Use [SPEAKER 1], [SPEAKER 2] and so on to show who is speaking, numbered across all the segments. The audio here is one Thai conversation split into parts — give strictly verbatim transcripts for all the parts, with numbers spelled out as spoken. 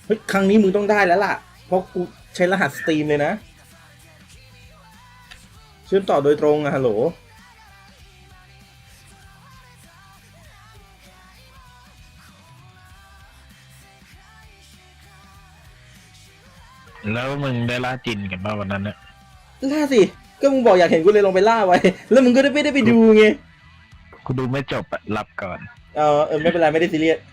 [SPEAKER 1] ฮ้ยครั้งนี้มึงต้องได้แล้วล่ะเพราะกูใช้รหัสสตรีมเลยนะเชื่อมต่อโดยตรงอะฮัลโหล
[SPEAKER 2] แล้วมึงได้ล่าจินกันป่ะวันนั้นเนี่ย
[SPEAKER 1] ล่าสิก็มึงบอกอยากเห็นกูเลยลงไปล่าไว้แล้วมึงก็ได้ไม่ได้ไปดูไง
[SPEAKER 2] กูดูไม่จบอะหลับก่อน
[SPEAKER 1] เออเออไม่เป็นไรไม่ได้ซีเรียส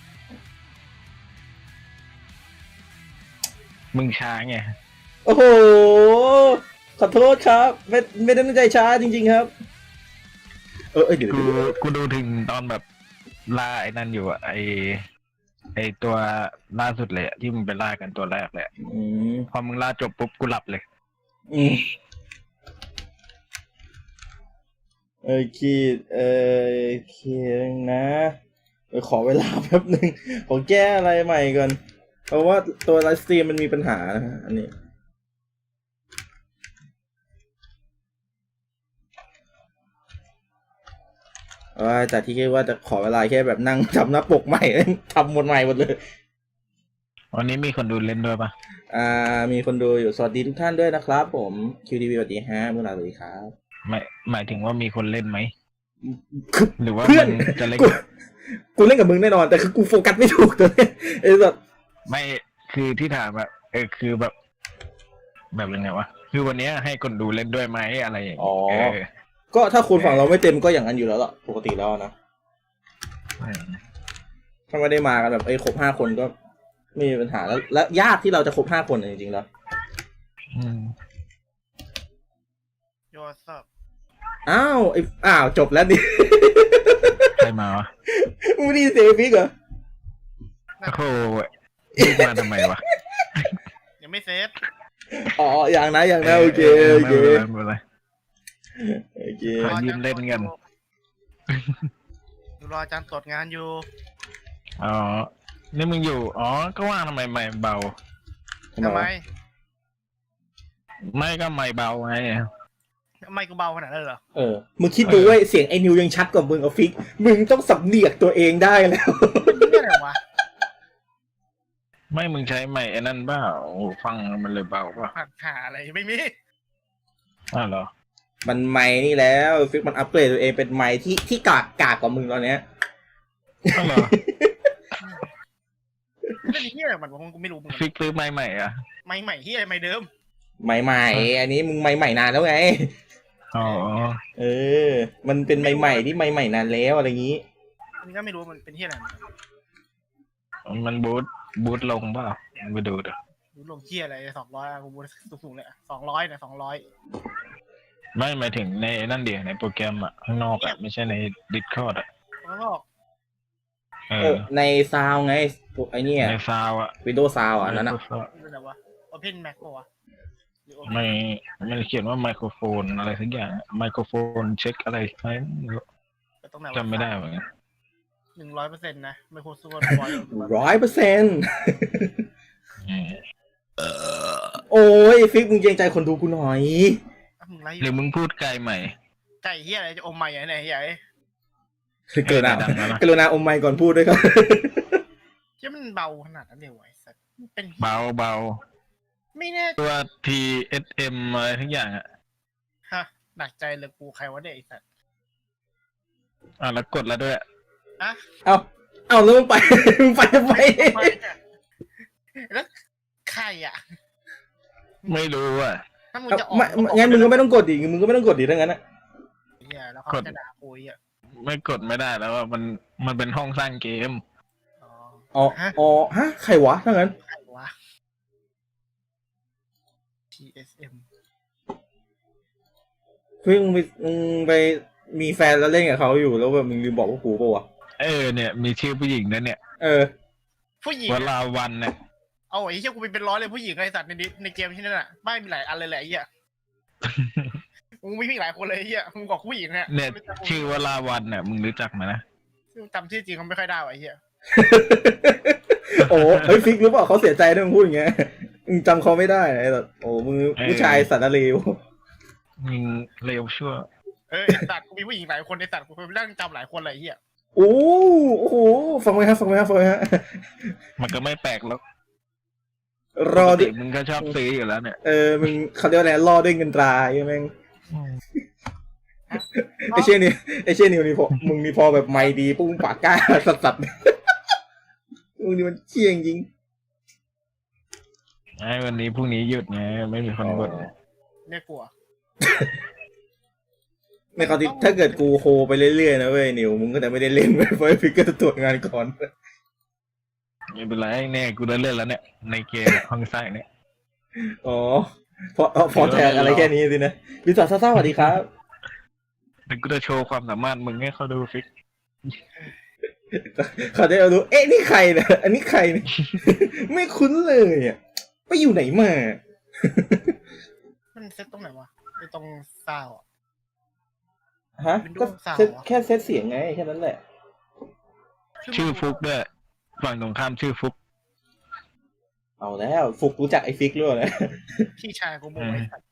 [SPEAKER 2] มึงช้าไง
[SPEAKER 1] โอ้โหขอโทษครับไม่ไม่ได้ตั้งใจช้าจริงๆครับเออเออเดี๋ยว
[SPEAKER 2] กู
[SPEAKER 1] เดี๋ยว
[SPEAKER 2] กูดูถึงตอนแบบล่าไอ้นั่นอยู่อะไอไอตัวล่าสุดเลยอะที่มึงไปล่ากันตัวแรกเลยอะ
[SPEAKER 1] อืม
[SPEAKER 2] พอมึงล่าจบปุ๊บกูหลับเลย
[SPEAKER 1] อืมโอเคเออโอเคนะเดี๋ยวขอเวลาแป๊บหนึ่งขอแก้อะไรใหม่ก่อนเพราะว่าตัวไลฟ์สตรีมมันมีปัญหานะฮะอันนี้ว่าแต่ที่คิดว่าจะขอเวลาแค่แบบนั่งทำหน้าปกใหม่ ทำหมดใหม่หมดเลย
[SPEAKER 2] วันนี้มีคนดูเล่นด้วยปะ
[SPEAKER 1] อ่ามีคนดูอยู่สวัสดีทุกท่านด้วยนะครับผม คิว ที วี สวัสดีฮะเมื่อไหร่สวัสดีครับ
[SPEAKER 2] ไม่หมายถึงว่ามีคนเล่นไหม
[SPEAKER 1] คือ
[SPEAKER 2] หรือว่า
[SPEAKER 1] เพื่อน
[SPEAKER 2] มึงจะเล่น
[SPEAKER 1] กูกูเล่นกับมึงแน่นอนแต่คือกูโฟกัสไม่ถูกตัวเนี้ยไอ้สัส
[SPEAKER 2] ไม่คือที่ถามอะเออคือแบบ แบบยังไงวะคือวันนี้ให้คนดูเล่นด้วยไหมอะไรอย่าง
[SPEAKER 1] อ๋อ
[SPEAKER 2] เงี้ยเออ
[SPEAKER 1] ก็ถ้าคนฝั่งเราไม่เต็มก็อย่างนั้นอยู่แล้วล่ะปกติแล้วนะ
[SPEAKER 2] อืม
[SPEAKER 1] ถ้าไม่ได้มากันแบบไอ้ครบห้าคนก็ไม่มีปัญหาแล้วและยากที่เราจะครบห้าคนจริงๆแล้ว
[SPEAKER 2] อืม
[SPEAKER 3] โยสับ
[SPEAKER 1] อ้าวไอ้อ้าวจบแล้วดิ
[SPEAKER 2] ใครมาวะ
[SPEAKER 1] มึงไม่ได้ยินเสียงฟิกเหรอ
[SPEAKER 2] โอ้โหรีบมาทำไมวะ
[SPEAKER 3] ยังไม่เซฟ
[SPEAKER 1] อ๋ออย่างนะอย่างนะโอเคโอเค
[SPEAKER 2] ไม่เป็นไรไม่เป็นไร
[SPEAKER 1] โอเค
[SPEAKER 2] ขอยืมเล่นกัน
[SPEAKER 3] ดูรออาจารย์ตรวจงานอยู่
[SPEAKER 2] อ๋อ นี่มึงอยู่ อ๋อ ก็ว่าทำไมไม่เบา
[SPEAKER 3] ทำไม
[SPEAKER 2] ไม่ก็ไม่เบาไง
[SPEAKER 3] ทำไมกูเบาขนาดนั้นเหรอ
[SPEAKER 1] เออมึงคิดดูเว้ยเสียงไอ้นิวยังชัดกว่ามึงกับฟิกมึงต้องสำเนียกตัวเองได้แล้ว
[SPEAKER 3] มันนี่อะไรวะ
[SPEAKER 2] ไม่มึงใช้ไม่ไอ้นั่นเปล่าหูฟังมันเลยเบาป่ะ
[SPEAKER 3] ผัดหาอะไรไม่มี
[SPEAKER 2] อ้าวเหรอ
[SPEAKER 1] มันไม้นี่แล้วฟิกมันอัปเกรดตัวเองเป็นไม้ที่ที่กากกากกว่ามึงตอนเนี้ย
[SPEAKER 2] อ้าวเหรอ
[SPEAKER 3] เล่นเฮียอะไรมันวะกูไม่รู้มึง
[SPEAKER 2] ฟิกซื้อไม่ใหม่อ่ะ
[SPEAKER 3] ไม่ใหม่เฮียไม่เดิม
[SPEAKER 1] ไม้ใหม่อันนี้มึงไม้ใหม่นานแล้วไง
[SPEAKER 2] อ๋อ
[SPEAKER 1] เออ มันเป็นไม้ใหม่ที่ไม้ใหม่นานแล้วอะไรอย่างนี้
[SPEAKER 3] อันนี้ก็ไม่รู้มันเป็นเฮียอะไร
[SPEAKER 2] มันบูทบูทลงเปล่ามึงไปดูดิ
[SPEAKER 3] รู้ลงเฮียอะไรสองร้อยกูบูสูงๆเลยสองร้อยเนี่ยสองร้อย
[SPEAKER 2] ไม่หมายถึงในนั่นเดียวในโปรแกรมอ่ะ ข้างนอกอ่ะ ไม่ใช่ในดิสคอร์ดอ่ะ
[SPEAKER 3] แล้วก็
[SPEAKER 2] เอ
[SPEAKER 1] เอ
[SPEAKER 2] อ
[SPEAKER 1] อในซาวไงพวกไอ้เนี่ย
[SPEAKER 2] ในซาวอ่ะ
[SPEAKER 1] วิดีโอซาวอ่ะนั่นอ่ะ
[SPEAKER 3] เป็นอะไรวะ Open Mac ปะวะหรือ Open
[SPEAKER 2] ไม่มันเขียนว่าไมโครโฟนอะไรสักอย่างไมโครโฟนเช็คอะไรไหมไม่รู้
[SPEAKER 3] ตรงไหนวะ
[SPEAKER 2] จำไม่ได้เหมือนกัน
[SPEAKER 3] หนึ่งร้อยเปอร์เซ็นต์นะไม่โคตรสู้ร้อย
[SPEAKER 1] ร้อยเปอร์เซ็นต์
[SPEAKER 2] อืม
[SPEAKER 1] โอ้ยฟิกมึงเกรงใจคนดูกูหน่อย
[SPEAKER 3] มึงไรอ
[SPEAKER 2] หรือยู่ มึงพูดไกลใหม่
[SPEAKER 3] ไก่เฮียอะไรจะอมใหม่ไหนเฮีย
[SPEAKER 1] เกินอ่ะ
[SPEAKER 2] ดังแล้วนะ
[SPEAKER 1] กรุณาอมไมค์ก่อนพูดด้วยครับ
[SPEAKER 3] เฮียมันเบาขนาดนั้นเลยวะไอ้สัสเป็น
[SPEAKER 2] เบาเบา
[SPEAKER 3] ไม่แน่
[SPEAKER 2] ตัว ที เอส เอ็ม อะไรทุกอย่างอ่ะ
[SPEAKER 3] ฮะหนักใจเลยกูใครวะเนี่ยไอ้สัตว์
[SPEAKER 2] อ่ะแล้วกดแล้วด้วย
[SPEAKER 3] อะ
[SPEAKER 1] เอาเอาแล้วมึงไป มึงไปทำไม
[SPEAKER 3] แล้วใครอ่ะ
[SPEAKER 2] ไม่รู้อ่ะ
[SPEAKER 3] ถ้ามึง
[SPEAKER 1] เอา
[SPEAKER 3] จะออก
[SPEAKER 1] ไม่งั้นมึงก็ไม่ต้องกดดิมึงก็ไม่ต้องกดดิถ้างั้นอ่ะ
[SPEAKER 3] เฮียแล้วเขา
[SPEAKER 2] กด
[SPEAKER 3] จะด่ากูอ่ะ
[SPEAKER 2] ไม่กดไม่ได้แล้วว่ามันมันเป็นห้องสร้างเกม
[SPEAKER 3] อ๋อ
[SPEAKER 1] อ๋อ
[SPEAKER 3] ฮะ
[SPEAKER 1] อ๋อฮะใครวะถ้างั้น
[SPEAKER 3] ใครวะ ที เอส เอ็ม
[SPEAKER 1] ฟิกมึงไปมึงไปมีแฟนแล้วเล่นกับเขาอยู่แล้วแบบมึงลืมบอกว่ากูปะวะ
[SPEAKER 2] เออเนี่ย มีชื่อผู้หญิงนะเนี่ย
[SPEAKER 1] เออ
[SPEAKER 3] ผู้หญิง
[SPEAKER 2] ว
[SPEAKER 3] อะ
[SPEAKER 2] ลาวันเนี่ย
[SPEAKER 3] เอาไอ้เฮียกูเป็นเป็นร้อยเลยผู้หญิงไอ้สัตว์ในดิในเกมที่นั่นอ่ะบ้านมีหลายอันเลยแหละไอ้เฮียมึงมีพี่หลายคนเลยไอ้เฮียมึงบอกผู้หญิงเนี่ย
[SPEAKER 2] เนี่ยชื่อวลาวันเนี่ยมึงรู้จักไหมนะ
[SPEAKER 3] จำชื่อจริงเขาไม่ค่อยได้ว่ะไอ้เฮีย
[SPEAKER 1] โอ้เฮ้ยฟิกรู้เปล่าเขาเสียใจด้วยมึงพูดอย่างเงี้ยมึงจำเขาไม่ได้ไอ้แบบโอ้มึงผู้ชายสัตว์เลว
[SPEAKER 2] มึงเร็วชั่ว
[SPEAKER 3] เออไอ้สัตว์กูมีผู้หญิงหลายคนไอ้สัตว์กูเป็นเรื่องจำหลายคนเลยไอ้เฮีย
[SPEAKER 1] โอ้โอ้โหฟังไหมฮะฟังไหมฮะฟังไหมฮะ
[SPEAKER 2] มันก็ไม่แปลกหรอก
[SPEAKER 1] รอ
[SPEAKER 2] ปก
[SPEAKER 1] ด้
[SPEAKER 2] ติ
[SPEAKER 1] วย
[SPEAKER 2] มึงก็ชอบซื้ออยู่แล้วเนี่ย
[SPEAKER 1] เออมึงเขาเรียกว่าอะไรรอด้วยเงินตราใช่ไหมงไอเช่นนี่ไอเช่นนี่นี่พอมึงนี่พอแบบไม่ดีปุ้งปากกล้าสัสสัสมึงนี่มันเชี่ยงจริง
[SPEAKER 2] ไอ้วันนี้พรุ่งนี้หยุดไงไม่มีคนบ่น
[SPEAKER 3] เนี่ยกลัว
[SPEAKER 1] ในคราวที่ถ้าเกิดกูโฮไปเรื่อยๆนะเว้ยนิวมึงก็จะไม่ได้เล่นเว้ยเพราะไอ้ฟิกเกอร์จะตรวจงานก่อน
[SPEAKER 2] ไม่เป็นไรแน่กูได้เล่นแล้วเนี่ยในเกมห้องไส้เนี่ย
[SPEAKER 1] อ๋อพอพอแทนอะไรแค่นี้สินะวิสาซ่าสวัสดีครับ
[SPEAKER 2] เดี๋ยวกูจะโชว์ความสามารถมึงให้เขาดูฟิก
[SPEAKER 1] เขาจะเอาดูเอ๊ะนี่ใครเนี่ยอันนี้ใครเนี่ย ไม่คุ้นเลยอ่ะไปอยู่ไหนมา
[SPEAKER 3] มันเซตตรงไหนวะไอตรงซาวอะ
[SPEAKER 1] ฮะ
[SPEAKER 3] Windows
[SPEAKER 1] ก็
[SPEAKER 3] Sound
[SPEAKER 1] เซตแค่เซตเสียงไงแค่นั้นแหละ
[SPEAKER 2] ชื่อฟุกด้วยฝั่งตรงข้ามชื่อฟุก
[SPEAKER 1] เอาแล้วฟุกรู้จักไอ้ฟิกด้วยนะ
[SPEAKER 3] พี่ชายกูบอกไอ้สัตว์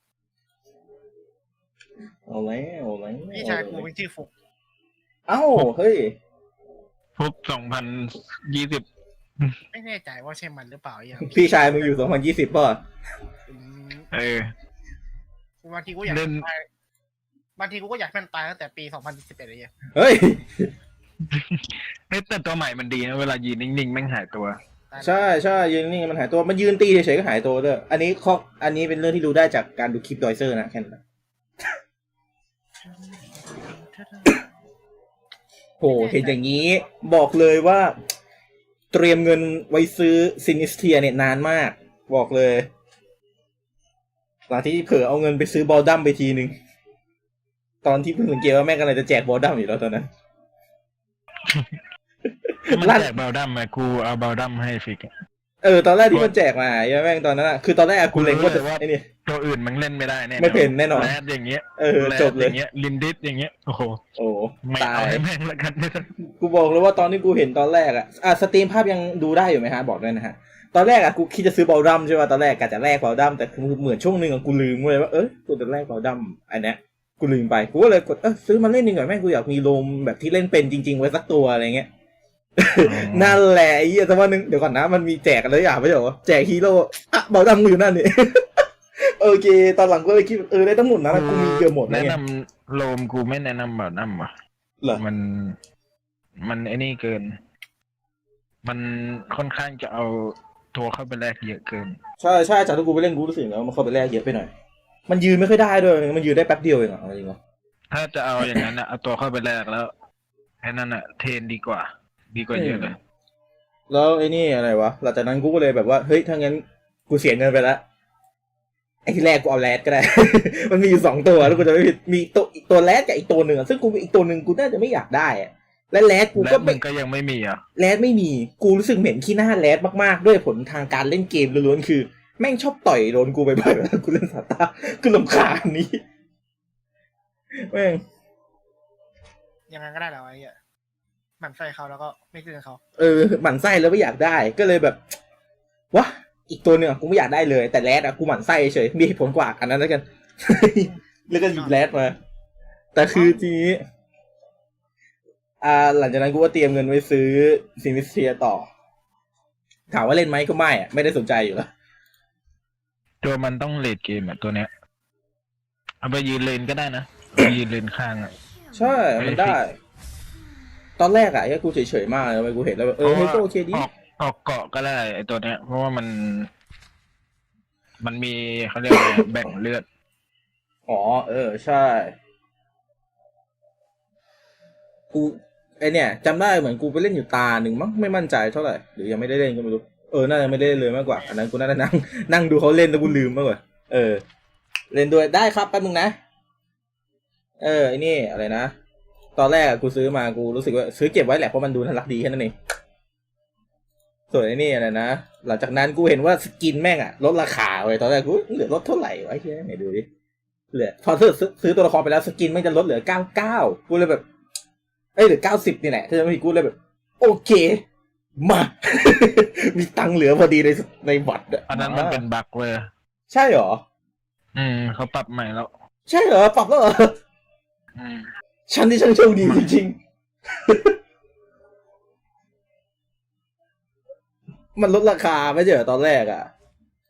[SPEAKER 1] เอาแล้วเอาแล้ว
[SPEAKER 3] พี่ชายกูเป็นชื่อฟุก
[SPEAKER 1] เอ้าเฮ้ย
[SPEAKER 2] ฟุกสองพันยี่สิบ
[SPEAKER 3] ไม่แน่ใจว่าใช่มันหรือเปล่าอย่าง
[SPEAKER 1] พี่ชายมึงอยู่สองพันยี่สิบป่ะ
[SPEAKER 2] เออ
[SPEAKER 3] บางทีกูอยาก
[SPEAKER 2] เล่น
[SPEAKER 3] ตายบางทีกูก็อยากให้มันตายตั้งแต่ปีสองพันสิบเอ็ดเลยเนี่ย
[SPEAKER 1] เฮ้ย
[SPEAKER 2] เฮ้ยแต่ตัวใหม่มันดีนะเวลายืนนิ่งๆแม่งหายตัว
[SPEAKER 1] ใช่ใช่ยืนนี่มันหายตัวมันยืนตีเฉยๆก็หายตัวด้วยอันนี้ข้ออันนี้เป็นเรื่องที่รู้ได้จากการดูคลิปดอยเซอร์นะแค่นั้นโหเห็นอย่างนี้บอกเลยว่า เตรียมเงินไว้ซื้อซินิสเทียเนี่ยนานมาก บอกเลยหลังที่เผลอเอาเงินไปซื้อบอลดัมไปทีนึงตอนที่เพิ่งสังเกตว่าแม่งกำลังจะแจกบอลดัมอยู่แล้วตอนนั้น
[SPEAKER 2] มัน
[SPEAKER 1] ลั่น
[SPEAKER 2] แจกเบลดัมมากูเอาเบลดัมให้ฟิกอะ
[SPEAKER 1] เออตอนแรกที่มันแจกมาใช่ไหมแม่งตอนนั้นอ่ะคือตอนแรกอะกูเล็งว่าจะไอ้นี่
[SPEAKER 2] ตัวอื่นมันเล่นไม่ได้แน่
[SPEAKER 1] ไม่เป็นแน่นอน
[SPEAKER 2] แรดอย่างเงี้ย
[SPEAKER 1] เออ
[SPEAKER 2] แรด
[SPEAKER 1] จบเลย
[SPEAKER 2] อย่างเงี้ยลินดิสอย่างเงี้ยโอ้โห
[SPEAKER 1] โอ้
[SPEAKER 2] ไม่
[SPEAKER 1] ตา
[SPEAKER 2] เอา
[SPEAKER 1] ย
[SPEAKER 2] ให้แม่งละกัน
[SPEAKER 1] กูบอกเลยว่าตอนที่กูเห็นตอนแรกอ่ะอ่ะสตรีมภาพยังดูได้อยู่ไหมฮะบอกด้วยนะฮะตอนแรกอ่ะกูคิดจะซื้อบอลดัมใช่ป่ะตอนแรกกะจะแลกบอลดัมแต่คือเหมือนช่วงหนึ่งอ่ะกูลืมเลยว่าเออกูจะแลกบอลดัมอันเนี้ยกูลืมไปกูก็เลยกดเออซื้อมาเล่นหนึ่งหน่อยแม่งกูอยากมีโลมแบบที่เล่นเป็นจริงๆไว้สักตัวอะไรเงี้ย นั่นแหละไอ้เหี้ยแต่ว่านึงเดี๋ยวก่อนนะมันมีแจกอะไรอย่างไม่ใช่เหรอแจกฮีโร่อ่ะบอลดัมกูอยู่นั่นนี่ โอเคตอนหลังก็เลยคิดเออได้ทั้งหมดนะแล้วกูมีเกือบหมดนะ
[SPEAKER 2] แนะ
[SPEAKER 1] ไง
[SPEAKER 2] นำโลมกูไม่แนะนำเบลดัมว่ะ
[SPEAKER 1] เหรอ
[SPEAKER 2] มัน มันไอ้นี่เกิน มันค่อนข้างจะเอาตัวเข้าไปแลกเยอะเกิน
[SPEAKER 1] ใช่ใช่จากที่กูไปเล่นกูรู้สึกแล้วมันเข้าไปแลกเยอะไปหน่อยมันยืนไม่ค่อยได้ด้วยมันยืนได้แป๊บเดียวเองเหรอจริงเหรอ
[SPEAKER 2] ถ้าจะเอาอย่างนั้นนะเอาตัวเข้าไปแลกแล้วไอ้นั่นอะเทรนดีกว่า ดีกว่าเยอะเลย
[SPEAKER 1] แล้วไอ้นี่อะไรวะหลังจากนั้นกูก็เลยแบบว่าเฮ้ยถ้างั้นกูเสียเงินไปแล้วไอ้ที่แรกกูเอาแรดก็ได้ มันมีอยู่สองตัวแล้วกูจะไม่ผิดมีตัวอีกตัวแรดกับอีกตัวหนึ่งอะซึ่งกูอีกตัวหนึ่งกูน่าจะไม่อยากได้อะและแรดกู
[SPEAKER 2] และ
[SPEAKER 1] ก็
[SPEAKER 2] มึ
[SPEAKER 1] ไม่
[SPEAKER 2] งก็ยังไม่มีอ่ะ
[SPEAKER 1] แรดไม่มีกูรู้สึกเหม็นขี้หน้าแรดมากๆด้วยผลทางการเล่นเกมล้วนๆคือ แม่งชอบต่อยโดนกูบ่อยๆเวลากูเล่นซาต้ากูรำคาญนี้แม่ง
[SPEAKER 3] ยังไงก็ได้แล้วไอ้เหี้ยหมั่นไส้เขาแล้วก็ไม่ซื้อเขา
[SPEAKER 1] เออหมั่นไส้แล้วไม่อยากได้ก็เลยแบบวะอีกตัวหนึ่งอะกูไม่อยากได้เลยแต่แรดอะกูหมั่นไส้เฉยมีเหตุผลกว่าอันนั้นแล้วกัน แล้วก็หยิบแรดมา แต่คือทีนี้อ่าหลังจากนั้นกูก็เตรียมเงินไว้ซื้อซิมิสเทียต่อถามว่าเล่นไหมก็ไม่อะไม่ได้สนใจอยู่แล้ว
[SPEAKER 2] ตัวมันต้องเลดเกมอ่ะตัวเนี้ย เอาไปยืนเลนก็ได้นะเอาไปยืนเลนข้างอ่ะ
[SPEAKER 1] ใช่มันได้ ตอนแรกอะไอ้กูเฉยๆมากเลยทำไมกูเห็นแล้วแบบเออเฮ้ยก็โอเคดี
[SPEAKER 2] ออกออกเกาะก็ได้ไอตัวเนี้ย เพราะว่ามัน มันมีเขาเรียกอะไร แบ่งเลือด
[SPEAKER 1] อ๋อเออใช่กูไอเนี่ยจำได้เหมือนกูไปเล่นอยู่ตาหนึ่งมั้งไม่มั่นใจเท่าไหร่หรือยังไม่ได้เล่นก็ไม่รู้เออน่าจะไม่ได้เล่นเลยมากกว่าอันนั้นกูน่าจะนั่ง นั่งดูเขาเล่นแล้วกูลืมมากกว่าเออ เล่นด้วยได้ครับแป๊บนึงนะเออไอนี่อะไรนะตอนแรกกูซื้อมากูรู้สึกว่าซื้อเก็บไว้แหละเพราะมันดูน่ารักดีแค่นั้นเองส่วนไอ้นี่อะไรนะหลังจากนั้นกูเห็นว่าสกินแม่งอะลดราคาไว้ตอนแรกกูเหลือลดเท่าไหร่วะไอ้เหี้ยไหนดูดิเหลือพอซื้อซื้อตัวละครไปแล้วสกินแม่งจะลดเหลือเก้าเก้ากูเลยแบบเอ้ยเหลือเก้าสิบนี่แหละถ้าจะไม่ผิดกูเลยแบบโอเคมา มีตังค์เหลือพอดีในในบัตรอะ
[SPEAKER 2] อันนั้นมันเป็นบั๊กเลย
[SPEAKER 1] ใช่เหรอ
[SPEAKER 2] อืมเขาปรับใหม่แล้ว
[SPEAKER 1] ใช่เหรอปรับแล้วเหรอ
[SPEAKER 2] อืม
[SPEAKER 1] ฉันที่ช่างโชคดีจริงๆ มันลดราคาไม่ใช่เหรอตอนแรกอ่ะ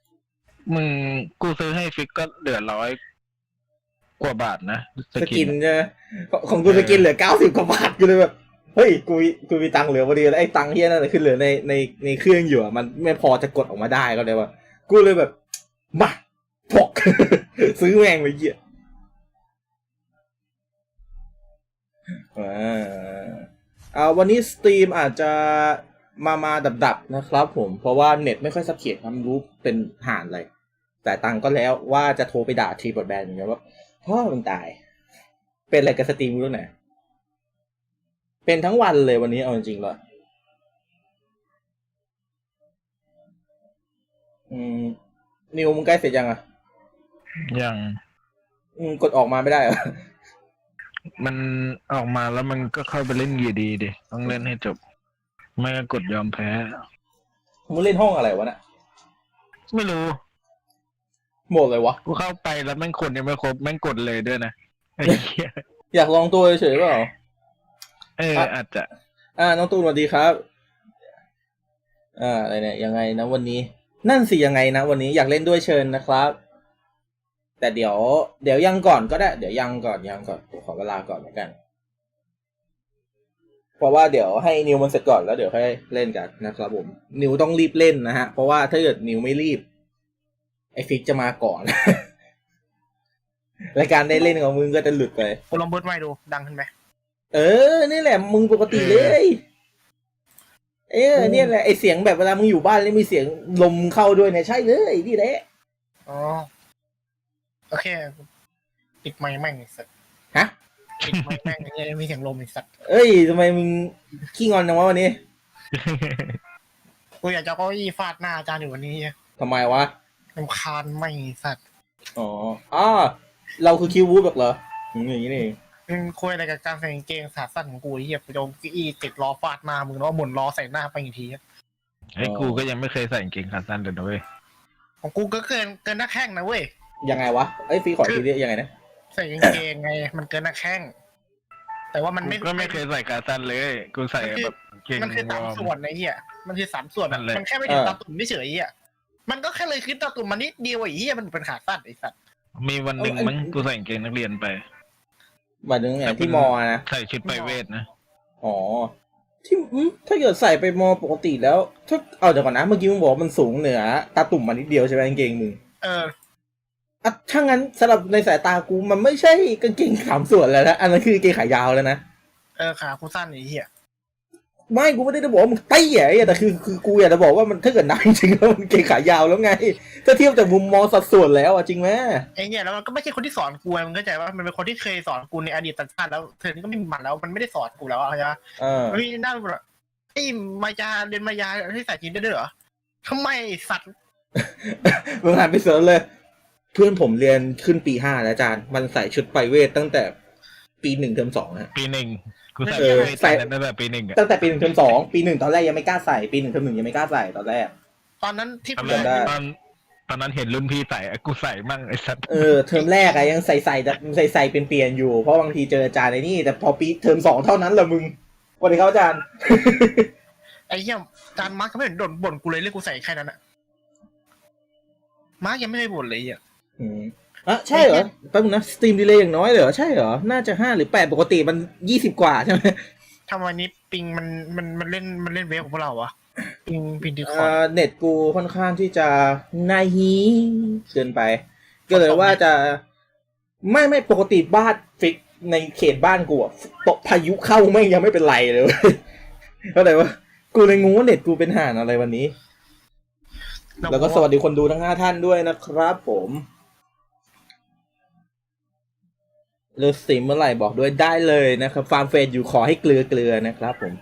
[SPEAKER 2] มึงกูซื้อให้ฟิกก็เหลือร้อยกว่าบาทนะ
[SPEAKER 1] สกินใช่ไหมของของกูสกินเหลือเก้าสิบกว่าบาทกูเลยแบบเฮ้ยกูกูมีตังค์เหลือพอดีแล้วไอ้ตังค์เฮียนั่นคือเหลือในในในเครื่องอยู่อะมันไม่พอจะกดออกมาได้ก็เลยว่ากูเลยแบบมาพก ซื้อแม่งไปเหี้ยอ่าเอาวันนี้สตรีมอาจจะมามาดับๆนะครับผมเพราะว่าเน็ตไม่ค่อยสับเขียนครับไม่รู้เป็นห่านอะไรแต่ตังค์ก็แล้วว่าจะโทรไปด่าทีบอดแบนอย่างเงี้ยว่าพ่อมึงตายเป็นอะไรกับสตรีมรู้ไหนเป็นทั้งวันเลยวันนี้เอาจริงๆเลยอืมนิวมึงใกล้เสร็จยังอ่ะ
[SPEAKER 2] ยัง
[SPEAKER 1] อืมกดออกมาไม่ได้เหรอ
[SPEAKER 2] มันออกมาแล้วมันก็เข้าไปเล่นอยู่ดีดิต้องเล่นให้จบ ไม่ก็กดยอมแพ้
[SPEAKER 1] มึงเล่นห้องอะไรวะน่ะ
[SPEAKER 2] ไม่รู้
[SPEAKER 1] หมดเลยวะ
[SPEAKER 2] กูเข้าไปแล้วแม่งคนยังไม่ครบแม่งกดเลยด้วยนะไอ้เหี้ย
[SPEAKER 1] อยากลองตัวเฉยๆเปล่า
[SPEAKER 2] เออ
[SPEAKER 1] อ่ะ
[SPEAKER 2] อาจจะ
[SPEAKER 1] อ่าน้องตูนสวัสดีครับอ่าอะไรเนี่ยยังไงนะวันนี้ นั่นสิยังไงนะวันนี้อยากเล่นด้วยเชิญนะครับ แต่เดี๋ยว เดี๋ยวยังก่อนก็ได้เดี๋ยวยังก่อนยังก่อนขอเวลาก่อนแล้วกัน เพราะว่าเดี๋ยวให้นิวมันเสร็จก่อนแล้วเดี๋ยวค่อยเล่นกันนะครับผมนิวต้องรีบเล่นนะฮะเพราะว่าถ้าเกิดนิวไม่รีบไอฟิกจะมาก่อน รายการได้เล่นของมึงก็จะหลุดไป
[SPEAKER 3] กูลองเบิร์ดไมค์ดูดังขึ้นไหม
[SPEAKER 1] เออนี่แหละมึงปกติเลย เออเนี่ยแหละไอเสียงแบบเวลามึงอยู่บ้านแล้วมีเสียงลมเข้าด้วยเนี่ยใช่เลยนี่แหละ
[SPEAKER 3] อ๋อโอเคปิดไมค์แม่งไอ้สัตว์
[SPEAKER 1] ฮะ
[SPEAKER 3] ปิดไมค์แม่งไอ้เหี้ยมีเสียงลมไอ้สัตว์
[SPEAKER 1] เอ้ยทำไมมึงขี้งอนจังวะวันนี้
[SPEAKER 3] กูอยากจะเอาเก้าอี้ฟาดหน้าอาจารย์อยู่วันนี้
[SPEAKER 1] ทำไมวะ
[SPEAKER 3] รำคาญไม่งไอ้สัตว์
[SPEAKER 1] อ๋ออ้าเราคือคิววูฟแบบเหรออืมอย่างนี้นี่เอง
[SPEAKER 3] มึงคุยอะไรกับการใส่กางเกงขาสั้นของกูไอ้เหี้ยกูจะเอาเก้าอี้ติดล้อฟาดหน้ามึงแล้วเอาหมุนล้อใส่หน้าไปอีกที
[SPEAKER 2] ไอ้กูก็ยังไม่เคยใส่กางเกงขาสั้นเลยนะเว้ย
[SPEAKER 3] ของกูก็เกินเกินหน้าแข้งนะเว้ย
[SPEAKER 1] ยังไงวะเอ้ยฟีขอทีเดียวยังไงนะ
[SPEAKER 3] ใส่กางเกงไงมันเกินหน้าแข้งแต่ว่ามัน
[SPEAKER 2] กู
[SPEAKER 3] ไม่
[SPEAKER 2] ก็ไม่เคยใส่ขาสั้นเลย กูใส่แบบเกง
[SPEAKER 3] มันคือสาม
[SPEAKER 2] วอร์ม
[SPEAKER 3] ส่วนไอ้เหี้ยมันคือสามส่วน
[SPEAKER 2] นั่นแหละ
[SPEAKER 3] มันแค่ไม่ถึงตาตุ่มเฉยๆอ่ะมันก็แค่เลยขึ้นตาตุ่มมานิดเดียวไอ้เหี้ยมันเป็นขาสั้นไอ้สัตว์
[SPEAKER 2] มีวันหนึ่งมั้งกูใส่กางเกงนักเรียนไป
[SPEAKER 1] หมายถึงไงที่มอนะ
[SPEAKER 2] ใส่ชุดไปเวทนะ
[SPEAKER 1] อ๋อที่อืมถ้าเกิดใส่ไปมอปกติแล้วถ้าเอาเดี๋ยวก่อนนะเมื่อกี้มึงบอกว่ามันสูงเหนือตาตุ่มมานิดเดียวใช่ไหมกางเกงมึง
[SPEAKER 3] เออ
[SPEAKER 1] อ่ะถ้างั้นสำหรับในสายตากูมันไม่ใช่กางเกงสามส่วนแล้วนะอันนั้นคือกางเกงขายาวแล้วนะ
[SPEAKER 3] เออขากูสั้นไอ้เหี้ย
[SPEAKER 1] ไม่กูไม่ได้จะบอกว่ามึงเตี้ยไอ้แต่คือคือกูอยากจะบอกว่ามันถ้าเกิดนับจริงๆแล้วมันเกงขายาวแล้วไงถ้าเทียบจากมุมมองสัดส่วนแล้วอ่ะจริงไหม
[SPEAKER 3] ไอ้เหี้ยแล้วมันก็ไม่ใช่คนที่สอนกูไงมึงเข้าใจว่ามันเป็นคนที่เคยสอนกูในอดีตชาติแล้วเธอนี่ก็ไม่มีมันแล้วมันไม่ได้สอนกูแล้วอะเข้าใจปะ
[SPEAKER 1] เออ
[SPEAKER 3] เฮ้ยน่าแบบไอ้มายาเรียนมายาที่ใส่จีนได้ด้วยเหรอทำไมสัตว์
[SPEAKER 1] มึงหันไปเสิร์ชเลย เพื่อนผมเรียนขึ้นปีห้าแล้วอาจารย์มันใส่ชุดไปเวทตั้งแต่ปีหนึ่งเทอมสองฮะ
[SPEAKER 2] ปีหนึ่งกูใส่
[SPEAKER 1] เออ
[SPEAKER 2] ไปเวท
[SPEAKER 1] ใส่
[SPEAKER 2] ตั้งแต่ปีหนึ่งอะ
[SPEAKER 1] ตั้งแต่ปีหนึ่งเทอมสองปีหนึ่งตอนแรกยังไม่กล้าใส่ปีหนึ่งเทอมหนึ่งยังไม่กล้าใส่ตอนแรก
[SPEAKER 3] ตอนนั้นที่
[SPEAKER 2] ตอน
[SPEAKER 3] กู
[SPEAKER 2] แร
[SPEAKER 3] เรีย
[SPEAKER 2] ก
[SPEAKER 3] น
[SPEAKER 1] ได้
[SPEAKER 2] ตอนตอนนั้นเห็นรุ่นพี่ใส่อะกูใส่มั่งไอ้สัตว์
[SPEAKER 1] เออเทอมแรกอะยังใส่ใส่ใส่ใส่เป็นเปลี่ยนๆอยู่เพราะบางทีเจออาจารย์ในนี่แต่พอปีเทอมสองเท่านั้นแหละมึงสวัสดีครับอาจารย์
[SPEAKER 3] ไอ้เหี้ยจานมาร์กก็ไม่เห็นบ่นบ่นกูเลยเรื่องกูใส่แค่นั้นอะมาร์กยังไม่ได้บ่นเลยอ่ะ
[SPEAKER 1] อืมอ่ะใช่เหรอแป๊บนึงนะสตรีมดีเลย์อย่างน้อยเลยเหรอใช่เหรอน่าจะห้าหรือแปดปกติมันยี่สิบกว่าใช่ไหม
[SPEAKER 3] ทำไมนี้ปิงมันมันมันเล่นมันเล่นเวฟของพวกเราวะปิงปิงดีคอ
[SPEAKER 1] เอ่
[SPEAKER 3] ร์ด
[SPEAKER 1] อเน็ตกูค่อนข้างที่จะนายฮีเกินไป ก็เลยว่าจะไม่ไม่ปกติบ้านฟิกในเขตบ้านกูอะตกพายุเข้าไม่งยังไม่เป็นไรเลยเว้ย ก็เลยว่ากูเลยงงว่าเน็ตกูเป็นห่านอะไรวันนี้ แล้วก็สวัสดีคนดูทั้งห้าท่านด้วยนะครับผมเลิกสตรีมเมื่อไหร่บอกด้วยได้เลยนะครับฟาร์มเฟสอยู่ขอให้เกลือเกลือนะครับผม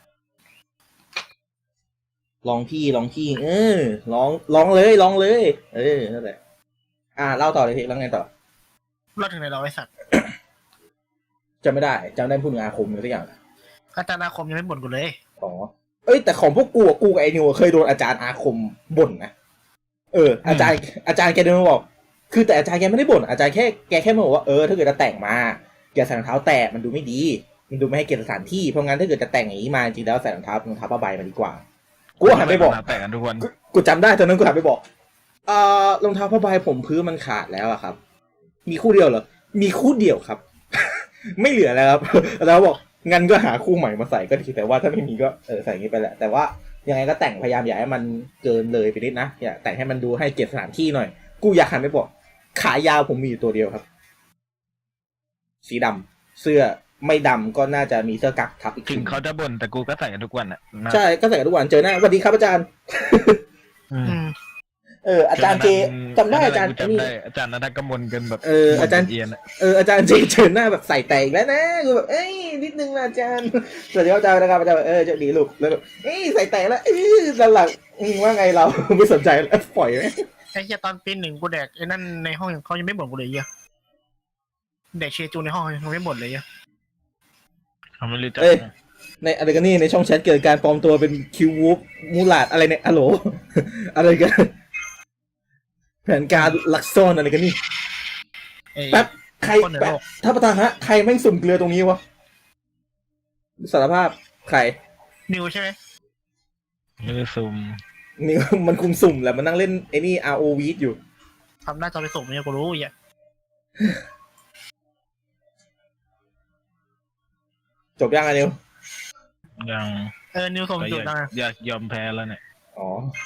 [SPEAKER 1] ลองพี่ลองพี่เออลองลองเลยลองเลย เออนั่นแหละอ่าเล่าต่อเลยพี่แล้วไงต่อ
[SPEAKER 3] เราถึงไหนเราไอ้สัตว์
[SPEAKER 1] จำไม่ได้จำได้พูดถึงอาคมหรือสักอย่าง
[SPEAKER 3] อาจารย์อาคมยังไม่บ่นกูเลย
[SPEAKER 1] อ๋อเอ้ยแต่ของพวกกูอะกูกับไอ้นิวเคยโดนอาจารย์อาคมบ่นนะเอออาจารย์อาจารย์แกเดินมาบอกคือแต่อาจารย์แกไม่ได้บ่นอาจารย์แค่แกแค่มาบอกว่าเออถ้าเกิดจะแต่งมาอย่าใส่รองเท้าแตะมันดูไม่ดีมันดูไม่ให้เกียรติสถานที่เพราะงั้นถ้าเกิดจะแต่งอย่างนี้มาจริงแล้วใส่รองเท้ารองเท้าผ้าใบมาดีกว่ากูหันไปบอก
[SPEAKER 2] แต่งกันทุกวัน
[SPEAKER 1] กูกูจำได้ตอนนั้นกูหันไปบอกเอ่อรองเท้าผ้าใบผมพื้นมันขาดแล้วอะครับ มีคู่เดียวเหรอ มีคู่เดียวครับ ไม่เหลือแล้วครับ แล้วบอกงั้นก็หาคู่ใหม่มาใส่ก็ดีแต่ว่าถ้าไม่มีก็เออใส่อย่างนี้ไปแหละแต่ว่ายังไงก็แต่งพยายามอย่าให้มันเกินเลยไปนิดนะอย่าแต่งให้มันดูให้เกียรติสถานที่หน่อย กูอยากหันไปบอกขายาวผมมีอยู่ตัวเดียวครับ สีดำเสื้อไม่ดำก็น่าจะมีเสื้อกั๊กทับอีก
[SPEAKER 2] ถึ
[SPEAKER 1] ที
[SPEAKER 2] งเขาจะบ่นแต่กูก็ใส่กันทุกวันอ่ะนะ
[SPEAKER 1] ใช่ก็ใส่กันทุกวันเจอหน้าสวัสดีครับอาจารย์
[SPEAKER 2] อืม
[SPEAKER 3] อืม
[SPEAKER 1] เอออาจารย์เจจำได้อาจารย์
[SPEAKER 2] จำ
[SPEAKER 1] นี่
[SPEAKER 2] ได้อาจารย์นัทกมลกันแบบ
[SPEAKER 1] เอออาจารย์
[SPEAKER 2] เอียนอะ
[SPEAKER 1] เอออาจารย์เจเจอหน้าแบบใส่แต่อีกแล้วนะกูแบบเอ้ยนิดนึงนะอาจารย์สวัสดีครับอาจารย์นะครับอาจารย์เออเจะดีลูกแล้วแบบเอ้ยใส่แต่แล้วเอ้ยตอนหลังอืมว่าไงเรา ไม่สนใจแล้วปล่อยไหม
[SPEAKER 3] ไอ้เหี้ยตอนปีหนึ่งกูแดกไอ้นั่นในห้องเขายังไม่บ่นกูเลยไอ้เหี้ยแดกเชจูในห้องยังไม่บ่นเลยไอ้เหี้ย
[SPEAKER 2] เขาไม่รู้จัก
[SPEAKER 1] เอ้ยในอะไรกันนี่ในช่องแชทเกิดการปลอมตัวเป็นคิววูฟมูลาดอะไรเนี่ยอะโหล อะไรกันแผนการลักซ่อนอะไรกันนี่
[SPEAKER 3] ไอ้
[SPEAKER 1] แป๊บใคร
[SPEAKER 3] คนเหนือ
[SPEAKER 1] แป๊บ
[SPEAKER 3] โลก
[SPEAKER 1] ถ้าประธานฮะใครแม่งสุ่มเกลือตรงนี้วะสารภาพใคร
[SPEAKER 3] นิวใช่ไหม
[SPEAKER 2] ไม่ได้ซูม
[SPEAKER 1] นี่ มันคุมสุ่มแหละมันนั่งเล่นไอ้นี่ อาร์ โอ วี อยู่
[SPEAKER 3] ทำหน้าจอไปส่งเนี่ยกูรู้ไอ้เหี้ย
[SPEAKER 1] จบยังไงนิว
[SPEAKER 2] ยัง
[SPEAKER 3] เออนิวส่ง
[SPEAKER 2] ก็
[SPEAKER 3] จุ
[SPEAKER 2] อ
[SPEAKER 3] ด
[SPEAKER 2] ยาก
[SPEAKER 3] นะ
[SPEAKER 2] อยากยอมแพ้แล้วเนี่ย
[SPEAKER 1] อ๋อ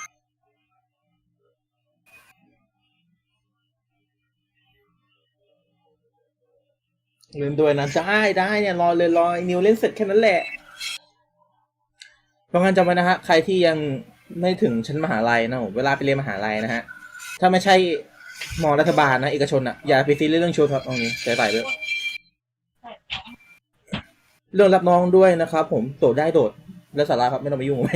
[SPEAKER 1] เล่นด้วยนะได้ได้เนี่ยรอเลยรอไอ้นิวเล่นเสร็จแค่นั้นแหละเพราะงั้นจำไว้นะฮะใครที่ยังไม่ถึงชั้นมหาลัยนะผมเวลาไปเรียนมหาลัยนะฮะถ้าไม่ใช่มอรัฐบาลนะเอกชนอ่ะอย่าไปซีเรียสเรื่องชุดครับตรงนี้ใส่ใส่ด้วยเรื่องรับน้องด้วยนะครับผมโดดได้โดดแล้วสาระครับไม่ต้องไปยุ่งไหม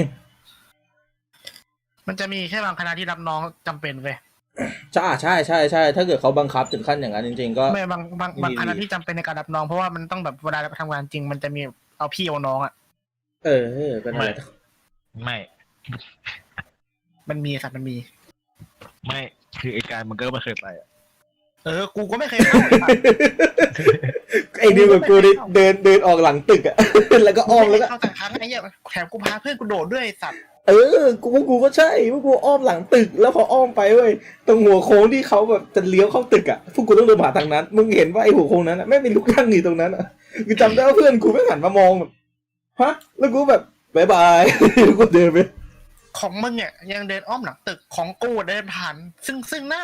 [SPEAKER 3] มันจะมีแค่บางคณะที่รับน้องจำเป็นเว้ย
[SPEAKER 1] ใช่ใช่ใช่ใช่ถ้าเกิดเขาบังคับถึงขั้นอย่างนั้นจริงๆก็
[SPEAKER 3] ไม่บางบางบาง
[SPEAKER 1] ดี
[SPEAKER 3] คณะที่จำเป็นในการรับน้องเพราะว่ามันต้องแบบเวลาทำงานจริงมันจะมีเอาพี่เอาน้องอ่ะ
[SPEAKER 1] เออเออเป็นอะไร
[SPEAKER 2] ไม่
[SPEAKER 3] มันมีสัตว์มันมี
[SPEAKER 2] ไม่คือไอการมันก็ไม่เคยไปอะ
[SPEAKER 3] เออกูก็ไม่เคยเข้าเลย
[SPEAKER 1] ไอ้นิวกับกูนี่เดินเดินออกหลังตึกอะ แล้วก็อ้อมแล้วก็
[SPEAKER 3] เข้าแต่ครั้งไอ้เหี้ยแถมกูพาเพื่อนกูโดดด้วยไอ้สัตว์
[SPEAKER 1] เออกูพวกกูก็ใช่พวกกูอ้อมหลังตึกแล้วพออ้อมไปเว้ยตรงหัวโค้งที่เขาแบบจะเลี้ยวเข้าตึกอะพวกกูต้องเดินผ่านทางนั้นมึงเห็นว่าไอ้หัวโค้งนั้นอะแม่งเป็นลูกนั่งอยู่ตรงนั้นอะกูจำได้ว่าเพื่อนกูไม่งหันมามองแบบฮะแล้วกูแบบบายบาย แล้วกูเดินไป
[SPEAKER 3] ของมึงเนี่ยยังเดินอ้อมหลังตึกของกูเดินผ่านซึ่งซึ่งหน้า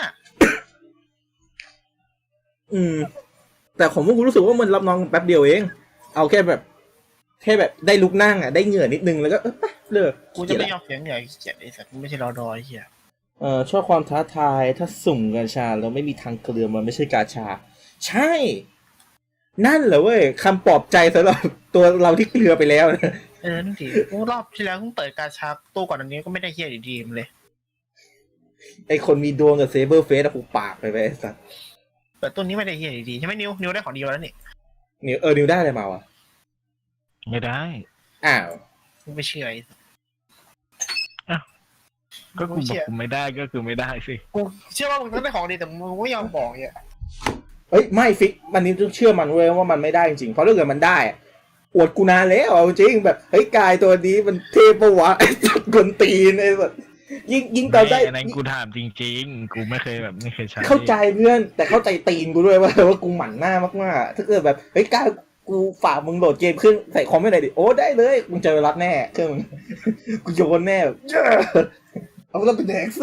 [SPEAKER 1] อืม แต่ของพวกกูรู้สึกว่ามันรับน้องแป๊บเดียวเอง เอาแค่แบบ แค่แบบได้ลุกนั่งอ่ะได้เหงื่อนิดนึงแล้วก็เออไปเลิก
[SPEAKER 3] กูจะไม่ยอมเสียงเหนื่อยเกียดไอ้สัตว์กูไม่ใช่รอดอยไอ้เหี้ย
[SPEAKER 1] เอ่อชอบความท้าทายถ้าสุ่มกาชาแล้วไม่มีทางเกลือมันไม่ใช่กาชา ใช่ นั่นเหรอเว้ยคำปลอบใจสำหรับตัวเราที่เกลือไปแล้วนะ
[SPEAKER 3] เออนั่นสิกูรอบที่แล้วเพิ่งเปิดการชาตู้ก่อนอันนี้ก็ไม่ได้เฮียดีๆเลย
[SPEAKER 1] ไอคนมีดวงกับเซเบอร์เฟสอะกูปากไปไปไอ้สัส
[SPEAKER 3] เปิดตู้นี้ไม่ได้เฮียดีๆใช่ไหมนิวนิวได้ของดีมาแล้วนี่
[SPEAKER 1] นิวเออนิวได้อะไรมาวะ
[SPEAKER 2] ไม่ได้
[SPEAKER 1] อ้าว
[SPEAKER 3] กูไม่เชื่อไอ้
[SPEAKER 2] ก็กูบอกกูไม่ได้ก็คือไม่ได้สิ
[SPEAKER 3] กูเชื่อว่ามึงต้องได้ของดีแต่มึงไม่ยอมบอกเนี่ย
[SPEAKER 1] เอ้ยไม่ฟิกมันนี้ต้องเชื่อมันเว้ยว่ามันไม่ได้จริงๆเพราะถ้าเกิดมันได้อะอวดกูนานแล้วเอาจริงแบบเฮ้ยกายตัวนี้มันเทปะวะไอ้สัตว์กวนตีนไอ้สัตว์ยิ่งยิ่งตอนได้
[SPEAKER 2] ไม่อันนั้นกูถามจริงๆ กูไม่เคยแบบไม่เคยใช้
[SPEAKER 1] เข้าใจเพื่อนแต่เข้าใจตีนกูด้วยว่าว่ากูหมั่นหน้ามากๆถ้าเกิดแบบเฮ้ยกายกูฝากมึงโหลดเกมขึ้นใส่คอมไม่ได้ดิโอ้ได้เลยมึงเจอรับแน่เครื่องมึง กูโยนแน่แบบเจ้อเอาแล้วเป็นแดกซ์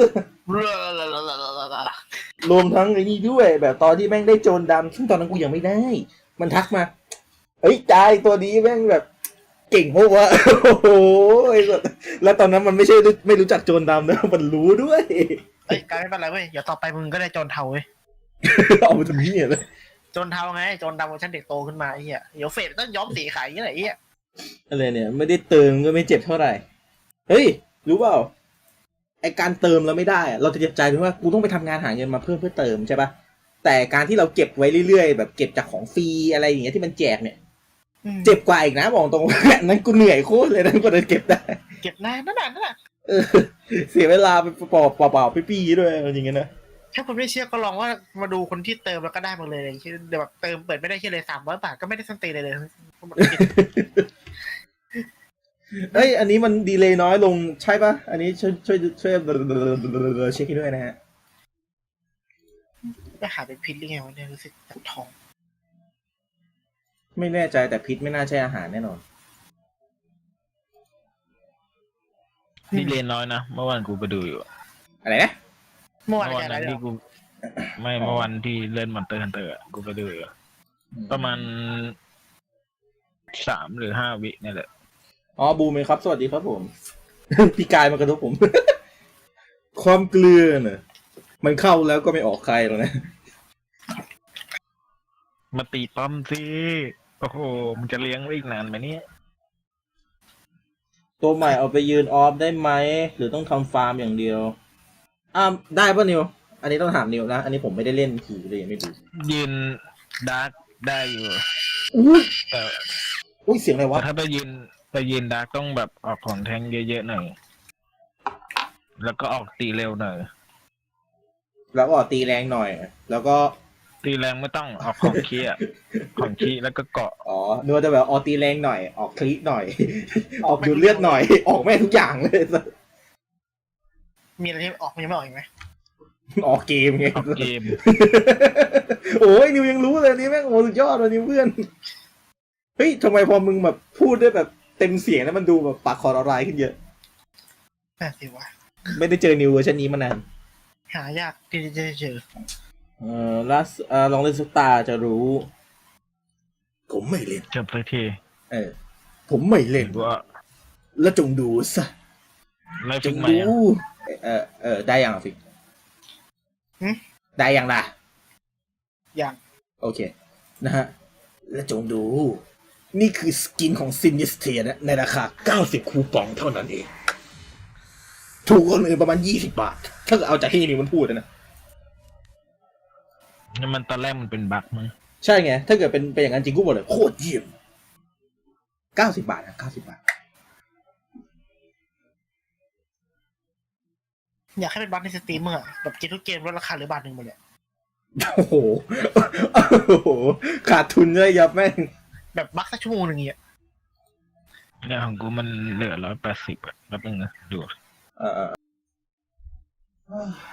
[SPEAKER 1] รวมทั้งไอ้นี่ด้วย แบบตอนที่แม่งได้โจรดำซึ่งตอนนั้นกูยังไม่ได้ มันทักมาเฮ้ยกายตัวนี้แม่งแบบเก่งโหวะ โอ้โหไอ้สัสแล้วตอนนั้นมันไม่ใช่ไม่รู้จักโจรดำนะมันรู้ด้วย
[SPEAKER 3] เอ้ยการไม่เป็นไรเว้ยเดี๋ยวต่อไปมึงก็ได้โจรเทาเว้ย
[SPEAKER 1] เอามาทำเหี้ยเลย
[SPEAKER 3] โจรเทาไงโจรดำเวอร์ชันเด็กโตขึ้นมาไอ้เหี้ยเดี๋ยวเฟดต้องย้อมสีขายอย่างเงี้ยไอ้เหี้ย
[SPEAKER 1] อะไรเนี่ยไม่ได้เติมก็ไม่เจ็บเท่าไหร่เฮ้ยรู้เปล่าไอการเติมเราไม่ได้อะเราจะเจ็บใจเพราะว่ากูต้องไปทำงานหาเงินมาเพิ่มเพื่อเติมใช่ปะแต่การที่เราเก็บไว้เรื่อยๆแบบเก็บจากของฟรีอะไรอย่างเงี้ยที่มันแจกเนี่ยเจ็บกว่าอีกนะบอกตรง นั้นกูเหนื่อยโคตรเลยนะกว่าจะเก็บได้
[SPEAKER 3] เก็บนานนั่นน่ะนั่นน่ะ
[SPEAKER 1] เออเสียเวลาไปเปล่าเปล่าๆปี้ๆด้วยอะไรอย่างเงี้ยนะ
[SPEAKER 3] ถ้าคุณไม่เชื่อก็ลองว่ามาดูคนที่เติมแล้วก็ได้มาเลยอย่างเช่นเดี๋ยวแบบเติมเปิดไม่ได้แค่เลยสามร้อยบาทก็ไม่ได้สันตีเลยเลย
[SPEAKER 1] เอ้ยอันนี้มันดีเลย์น้อยลงใช่ปะอันนี้ช่วยช่วยช่วยเช็คให้ด้วยนะฮะ
[SPEAKER 3] ไปหาเป็นพิษหรือไงวะเนี่ยรู้สึกจากท้อง
[SPEAKER 1] ไม่แน่ใจแต่พิษไม่น่าใช่อาหารแน่นอน
[SPEAKER 2] นี่เรียนน้อยนะเมื่อวานกูไปดูอยู่
[SPEAKER 1] อะไรนะ
[SPEAKER 3] เมื่อวาน
[SPEAKER 2] เมื่อวาน
[SPEAKER 3] อะไร
[SPEAKER 2] นั้น
[SPEAKER 3] เหร
[SPEAKER 2] ที่
[SPEAKER 3] อ
[SPEAKER 2] กู ไม่เมื่อวันที่เล่นมอนเตอร์ฮันเตอร์กูไปดูอยู่ประมาณสามหรือห้าวินี่แหละ
[SPEAKER 1] อ๋อบูมเองครับสวัสดีครับผม พี่กายมากระทบผม ความเกลือเนอะมันเข้าแล้วก็ไม่ออกใครหรอกนะ
[SPEAKER 2] มาตีป้อมสิโอ้โหมันจะเลี้ยงไว้อีกนานไหมเนี่ย
[SPEAKER 1] ตัวใหม่เอาไปยืนออฟได้ไหมหรือต้องทำฟาร์มอย่างเดียวอ่าได้ป่ะนิวอันนี้ต้องถามนิวนะอันนี้ผมไม่ได้เล่นผีเลยยังไม่ดู
[SPEAKER 2] ยืนดาร์กได้อยู่
[SPEAKER 1] อุ้ย
[SPEAKER 2] แต่
[SPEAKER 1] อุ้ยเสียงอะไรวะ
[SPEAKER 2] แต่ถ้าไปยืนไปยืนดาร์กต้องแบบออกของแทงค์เยอะๆหน่อยแล้วก็ออกตีเร็วหน่อย
[SPEAKER 1] แล้วก็ตีแรงหน่อย แล้วก็
[SPEAKER 2] ตีแรงไม่ต้องออกของขี้อะของขี้แล้วก็เกาะ
[SPEAKER 1] อ๋อนึกว่าจะแบบออกตีแรงหน่อย ออกคลิกหน่อย ออกดูดเลือดหน่อย ออกแม่งทุกอย่างเลย
[SPEAKER 3] มีอะไรที่ออกมันยังไม่ออกอีกไหม
[SPEAKER 1] ออกเกมไง
[SPEAKER 2] ออกเกม
[SPEAKER 1] โอ้ยนิวยังรู้เลยนี่แม่งโอ้สุดยอดเลยนิวเพื่อนเฮ้ยทำไมพอมึงแบบพูดได้แบบเต็มเสียงแล้วมันดูแบบปากคอละลายขึ้นเยอะ
[SPEAKER 3] น่าสิวะ
[SPEAKER 1] ไม่ได้เจอนิวเวอร์ชันนี้มานาน
[SPEAKER 3] หายากที่จะเจอ
[SPEAKER 1] เออลัสเออลองเล่นซุปตาจะรู้ ผมไม่เล่น
[SPEAKER 2] จบสักที
[SPEAKER 1] เออ ผมไม่เล่น
[SPEAKER 2] ว่า
[SPEAKER 1] แล้วจงดูซะ
[SPEAKER 2] ไล่
[SPEAKER 1] จ
[SPEAKER 2] ฟิ
[SPEAKER 1] ง
[SPEAKER 2] กใหม่
[SPEAKER 1] ดู
[SPEAKER 2] อะ
[SPEAKER 1] เออเออได้ยังอ่ะฟิก
[SPEAKER 3] หึ
[SPEAKER 1] ได้ยังล่ะ
[SPEAKER 3] อย่าง
[SPEAKER 1] โอเค นะฮะ และจงดู นี่คือสกินของซินิสเทียนะในราคาเก้าสิบคูปองเท่านั้นเอง ถูกกว่าคนอื่นประมาณยี่สิบบาท ถ้าเกิดเอาจากที่นี่มันพูดนะ
[SPEAKER 2] นี่มันตอนแรกมันเป็นบั๊กมั้ง
[SPEAKER 1] ใช่ไง ถ้าเกิดเป็นเป็นอย่างนั้นจริงกูบอกเลยโคตรเยี่ยมเก้าสิบบาทนะเก้าสิบบาท
[SPEAKER 3] อยากให้เป็นบัฟในสตรีมเมอร์อะแบบเกมทุกเกมลดราคาเหลือบาทหนึ่งหมดเลย
[SPEAKER 1] โอ้โห โอ้โห ขาดทุนเลยยับแม่ง
[SPEAKER 3] แบบบัฟสักชั่วโมงหนึ่งเนี่ย
[SPEAKER 2] เนี่ยของกูมันเหลือร้อยแปดสิบอะแป๊บนึงนะดู
[SPEAKER 1] เออ